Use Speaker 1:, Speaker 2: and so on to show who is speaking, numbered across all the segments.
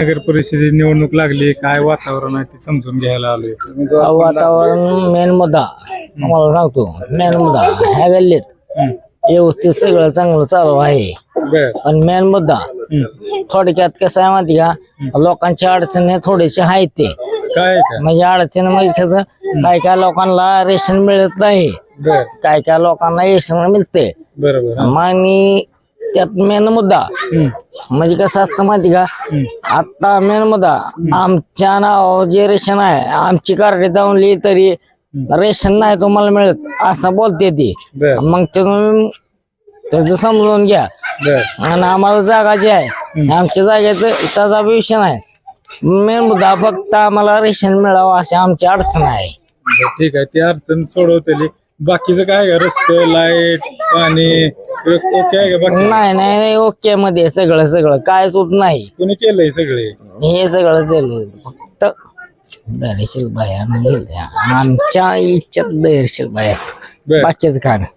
Speaker 1: नगर परिषदेची निवडणूक लागली, काय वातावरण आहे ते समजून घ्यायला आलोय.
Speaker 2: वातावरण मेन मुद्दा तुम्हाला सांगतो. मेन मुद्दा ह्या गल्लीत व्यवस्थित सगळं चांगलं चालू आहे.
Speaker 1: बर
Speaker 2: पण मेन मुद्दा थोडक्यात कसं आहे माहिती का, लोकांच्या अडचणी थोडेसे आहेत ते.
Speaker 1: काय का?
Speaker 2: म्हणजे अडचण म्हणजे कसं, काय काय लोकांना रेशन मिळत नाही,
Speaker 1: बर
Speaker 2: काय काय लोकांना रेशन मिळते.
Speaker 1: बरोबर.
Speaker 2: आणि त्यात मेन मुद्दा म्हणजे कसं असतं माहिती का, आता मेन मुद्दा आमच्या नाव जे रेशन आहे, आमची कार्ड दावली तरी रेशन नाही तुम्हाला मिळत असं बोलते ती.
Speaker 1: बर
Speaker 2: मग ते तुम्ही त्याचं समजून घ्या.
Speaker 1: बर
Speaker 2: आणि आम्हाला जागा जी आहे आमच्या जागेचं त्याचा विषय नाही. मेन मुद्दा फक्त आम्हाला रेशन मिळावं अशी आमची अडचण आहे.
Speaker 1: ठीक आहे, ती अडचण सोडवतेली. बाकीचं काय का, रस्ते, लाईट, पाणी ओके आहे का? बाकी
Speaker 2: नाही नाही ओके मध्ये सगळं सगळं काय सुट नाही.
Speaker 1: कोणी केलंय सगळे?
Speaker 2: हे सगळं झालं फक्त दर्शील बाया नाही, आमच्या इच्छेत दर्शील बाया,
Speaker 1: बर
Speaker 2: बाकीच काय नाही.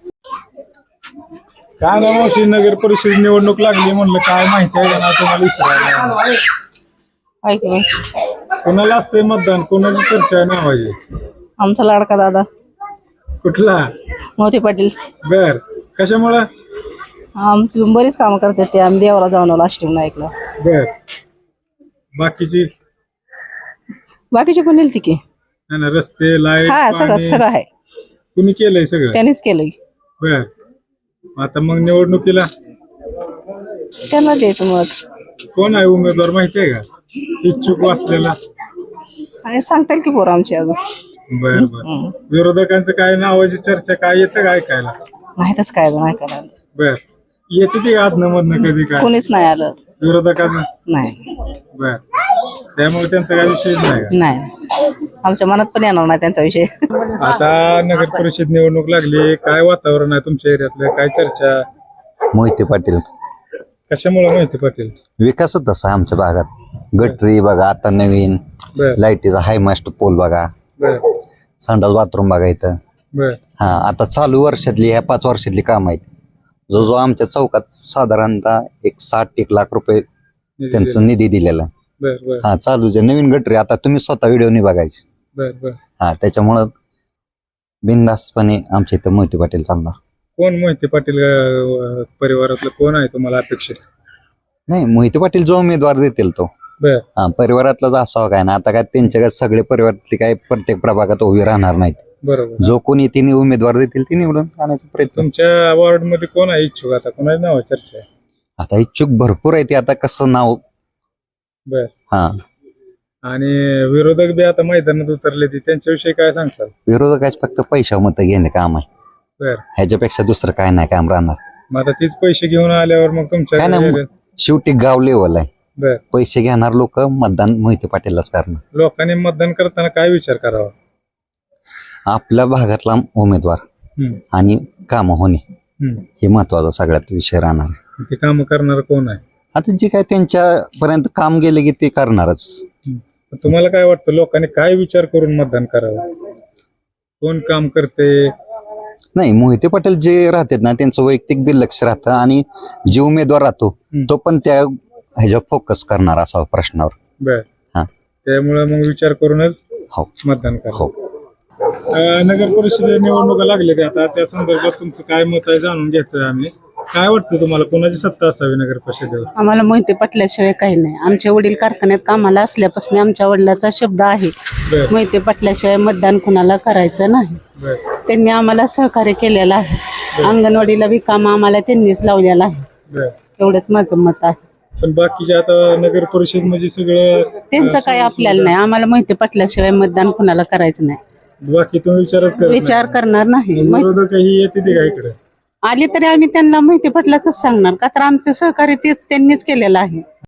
Speaker 1: काय ना मावशी, नगर परिषद निवडणूक लागली म्हणलं, काय माहिती आहे का ना तुम्हाला विचारायला.
Speaker 3: ऐकलं
Speaker 1: कोणाला असतंय मतदान, कोणाची चर्चा आहे नावाची?
Speaker 3: आमचा लाडका दादा
Speaker 1: कुठला?
Speaker 3: मोती पाटील.
Speaker 1: बर कशामुळं?
Speaker 3: आमची बरीच कामं करतात ते. आम्ही देवाला जाऊन आलो अष्टविनायकला.
Speaker 1: बर बाकीची
Speaker 3: बाकीचे पण नेलती की.
Speaker 1: नाही ना, रस्ते, लाईट,
Speaker 3: हा सगळं
Speaker 1: पाणी
Speaker 3: सगळं आहे,
Speaker 1: कुणी केलंय सगळं?
Speaker 3: त्यांनीच केलंय.
Speaker 1: बर आता मग निवडणुकीला
Speaker 3: त्यांना द्यायचं मत.
Speaker 1: कोण आहे उमेदवार माहिती आहे का, इच्छुक वाचलेला?
Speaker 3: आणि सांगता येईल की पोरं आमची अजून.
Speaker 1: बर बर विरोधकांचं काय नावाची चर्चा काय येतं का ऐकायला?
Speaker 3: नाही तसं काय अजून ऐकायला आलं.
Speaker 1: बर येते ती आदनं मधनं कधी काय
Speaker 3: कोणीच नाही आलं.
Speaker 1: विरोधकाचं?
Speaker 3: नाही
Speaker 1: बर त्यामुळे त्यांचा काय विषय नाही का?
Speaker 3: नाही, आमच्या मनात पण येणार नाही त्यांचा विषय.
Speaker 1: आता नगर परिषद निवडणूक लागली, काय वातावरण आहे तुमच्या एरियातलं, काय चर्चा?
Speaker 4: मोहिते पाटील.
Speaker 1: कशामुळे मोहिते पाटील?
Speaker 4: विकासच तसा आमच्या भागात. गटरी बघा आता नवीन,
Speaker 1: बर
Speaker 4: लाईटीचा हाय मास्ट पोल बघा,
Speaker 1: बर
Speaker 4: संडास बाथरूम बघा इथं.
Speaker 1: बर
Speaker 4: हा आता चालू वर्षातली, ह्या 5 वर्षातली काम आहेत. जो जो आमच्या चौकात साधारणतः 1 लाख रुपये त्यांचं निधी दिलेला आहे.
Speaker 1: बर बर
Speaker 4: हा चालू जे नवीन गटरी आता तुम्ही स्वतः व्हिडिओनी बघायची.
Speaker 1: बर बर
Speaker 4: हा त्याच्यामुळं बिनधास्तपणे आमच्या इथं मोहिते पाटील चालणार.
Speaker 1: कोण मोहिते पाटील परिवारातलं कोण आहे तुम्हाला अपेक्षित?
Speaker 4: नाही मोहिते पाटील जो उमेदवार देतील तो.
Speaker 1: बर
Speaker 4: हा परिवारातलाच असावं काय ना. आता काय त्यांच्या सगळे परिवारातले काय प्रत्येक प्रभागात उभी राहणार नाहीत.
Speaker 1: बरोबर.
Speaker 4: जो कोणी तिने उमेदवार देतील ते निवडून आणायचा प्रयत्न.
Speaker 1: तुमच्या वॉर्ड मध्ये कोण आहे इच्छुक? आता कोणाचं नाव चर्चा आहे?
Speaker 4: आता इच्छुक भरपूर आहे ते, आता कसं नाव.
Speaker 1: बर
Speaker 4: हा
Speaker 1: आणि विरोधक बी आता मैदानात उतरले, ते त्यांच्याविषयी काय सांगताल?
Speaker 4: विरोधकाच फक्त पैसा मत घेणे काम आहे.
Speaker 1: बर
Speaker 4: ह्याच्यापेक्षा दुसरं काय नाही काम राहणार.
Speaker 1: मग आता तीच पैसे घेऊन आल्यावर मग
Speaker 4: काय
Speaker 1: तुमच्या
Speaker 4: नाही, शेवटी गाव लेवल आहे.
Speaker 1: बर
Speaker 4: पैसे घेणार लोक मतदान मोहिते पाटीललाच करणार.
Speaker 1: लोकांनी मतदान करताना काय विचार करावा?
Speaker 4: आपल्या भागातला उमेदवार आणि काम होणे हे महत्वाचा सगळ्यात विषय राहणार.
Speaker 1: ते काम करणार कोण आहे?
Speaker 4: आता जे काय त्यांच्यापर्यंत काम गेले की ते करणारच.
Speaker 1: तुम्हाला काय वाटतं, लोकांनी काय विचार करून मतदान करावं? कोण काम करते?
Speaker 4: नाही मोहिते पाटील जे राहतात ना त्यांचं वैयक्तिक बी लक्ष राहतं, आणि जे उमेदवार राहतो तो पण त्या ह्याच्यावर फोकस करणार असा प्रश्नावर.
Speaker 1: बर
Speaker 4: हा
Speaker 1: त्यामुळे मग विचार करूनच
Speaker 4: हो
Speaker 1: मतदान करा.
Speaker 4: हो.
Speaker 1: नगर परिषद निवडणुका लागले आता, त्या संदर्भात तुमचं काय मत आहे जाणून घेतोय आम्ही. काय वाटतं तुम्हाला, कोणाची सत्ता असावी नगर परिषदेवर?
Speaker 5: आम्हाला मोहिते पाटल्याशिवाय काही नाही. आमचे वडील कारखान्यात कामाला असल्यापासून आमच्या वडिलाचा शब्द आहे,
Speaker 1: बर
Speaker 5: मोहिते पाटल्याशिवाय मतदान कुणाला करायचं नाही.
Speaker 1: बर
Speaker 5: त्यांनी आम्हाला सहकार्य केलेलं आहे. अंगणवाडीला बी काम आम्हाला त्यांनीच लावलेलं आहे.
Speaker 1: बर
Speaker 5: एवढंच माझं मत आहे.
Speaker 1: पण बाकीचे आता नगर परिषद म्हणजे सगळं
Speaker 5: त्यांचं काही आपल्याला नाही. आम्हाला मोहिते पाटल्याशिवाय मतदान कुणाला करायचं नाही.
Speaker 1: बाकी तुम्ही विचारच करत नाही.
Speaker 5: विचार करणार नाही.
Speaker 1: विरोधक ही येते ते का इकडे
Speaker 5: आली तरी आम्ही त्यांना मोहिते पाटलाच सांगणार, का तर आमचं सहकार्य तेच त्यांनीच केलेलं आहे.